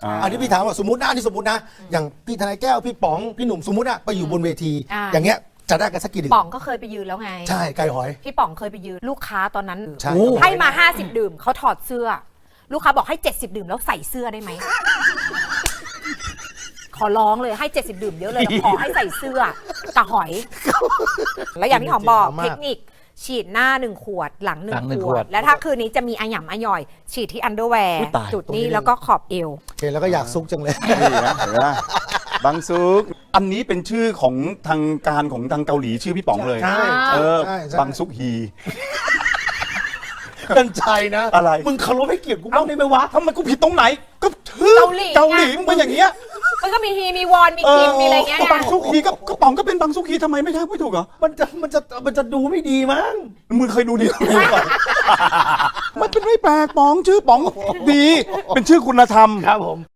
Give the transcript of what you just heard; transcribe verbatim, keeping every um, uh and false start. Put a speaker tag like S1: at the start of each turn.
S1: อันนี้พี่ถามว่าสมมตินะอันนี้สมมตินะอย่างพี่ทนายแก้วพี่ป๋องพี่หนุ่มสมมติอะไปอยู่บนเวที อย่างเงี้ยจะได้กันสักกี่ดื่ม
S2: ป๋องก็เคยไปยืนแล้วไง
S1: ใช่ไก่หอย
S2: พี่ป๋องเคยไปยืนลูกค้าตอนนั้น
S1: ใช่
S2: ให้มาห้าสิบดื่มเขาถอดเสื้อ ลูกค้าบอกให้เจ็ดสิบดื่มแล้วใส่เสื้อได้ไหม ขอร้องเลยให้เจ็ดสิบดื่มเยอะเลยขอให้ใส่เสื้อตาหอย แล้วอย่างที่หอมบอกเทคนิคฉีดหน้าหนึ่งขวดหลังหนึ่งขวด และถ้าคืนนี้จะมีอาหยำอาย่อย ฉีดที่อันเดอร์แวร์จุดนี้แล้วก็ขอบเอว
S1: โอเคแล้วก็อยากซุกจังเลย
S3: นี่นะเห็นไหมบางซุกอันนี้เป็นชื่อของทางการของทางเกาหลีชื่อพี่ป๋องเลย
S1: ใช่
S3: เออ
S1: ใช่ใช่
S3: บางซุกฮี
S1: กันใจนะ
S3: อะไร
S1: มึงเคารพให้เกียรติกูบ้างได้ไหมวะ
S3: ทำไมกูผิดตรงไหนก็ชื่อ
S2: เกาหลี
S3: เกาหลีมึงเป็นอย่างเงี้ย
S2: มันก็มีฮีมีวอนมีคิมมีอะไรเงี้ย
S3: ก็บางซุกฮีก็ก็ป๋องก็เป็นบางซุกฮีทำไมไม่ได้ไม่ถูกเหรอ
S1: มันจะมันจะมันจะดูไม่ดีมั้ง
S3: มึงเคยดูดีไหมก่อนมันเป็นไม่แปลกป๋องชื่อป๋องดี เป็นชื่อคุณธรรม
S1: ครับผม